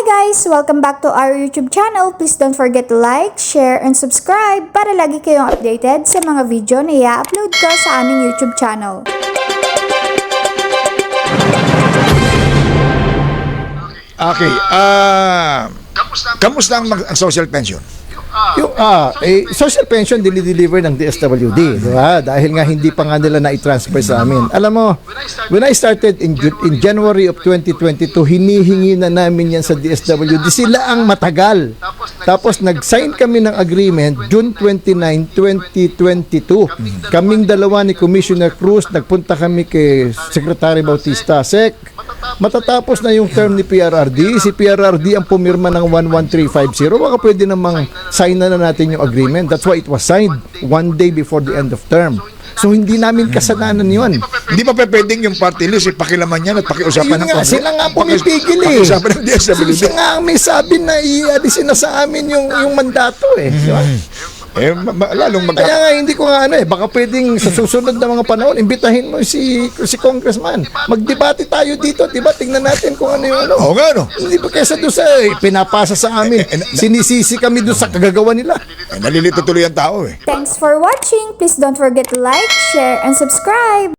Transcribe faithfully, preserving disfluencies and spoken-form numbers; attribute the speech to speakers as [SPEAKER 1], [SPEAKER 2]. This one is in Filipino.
[SPEAKER 1] Hi guys! Welcome back to our YouTube channel. Please don't forget to like, share, and subscribe para lagi kayong updated sa mga video na i-upload ko sa aming YouTube channel.
[SPEAKER 2] Okay, ah, kamusta ang, mag- ang social pension?
[SPEAKER 3] Yung ah, eh, social pension dinideliver ng D S W D, di ba? Dahil nga hindi pa nga nila na-transfer sa amin. Alam mo, when I started in Ju- in January of twenty twenty-two, hinihingi na namin yan sa D S W D. Sila ang matagal. Tapos nag-sign kami ng agreement June twenty-ninth, twenty twenty-two. Kaming dalawa ni Commissioner Cruz, nagpunta kami kay Secretary Bautista. Sec, matatapos na yung term ni P R R D. Si P R R D ang pumirma ng one one three five zero. Baka pwede namang sign na, na natin yung agreement. That's why it was signed one day before the end of term. So hindi namin kasalanan yun.
[SPEAKER 2] Hindi pa pwedeng yung party list, ipakilaman yan at pakiusapan
[SPEAKER 3] Ayun
[SPEAKER 2] ng
[SPEAKER 3] nga,
[SPEAKER 2] Congress.
[SPEAKER 3] sila nga pumipigil eh.
[SPEAKER 2] Pakiusapan ng D S W D.
[SPEAKER 3] Sila nga ang may sabi na i-alisin na sa amin yung, yung mandato eh. Di ba?
[SPEAKER 2] Eh, ma- ma- lalong mag-
[SPEAKER 3] Kaya nga hindi ko nga ano eh, baka pwedeng sa susunod na mga panahon, imbitahin mo si si congressman. Magdebate tayo dito, di ba? Tingnan natin kung ano yung ano.
[SPEAKER 2] Oo nga, no?
[SPEAKER 3] Hindi ba kaysa doon sa eh, pinapasa sa amin, sinisisi kami doon sa kagagawa nila.
[SPEAKER 2] Eh, nalilito tuloy ang tao eh.
[SPEAKER 1] Thanks for watching! Please don't forget to like, share, and subscribe!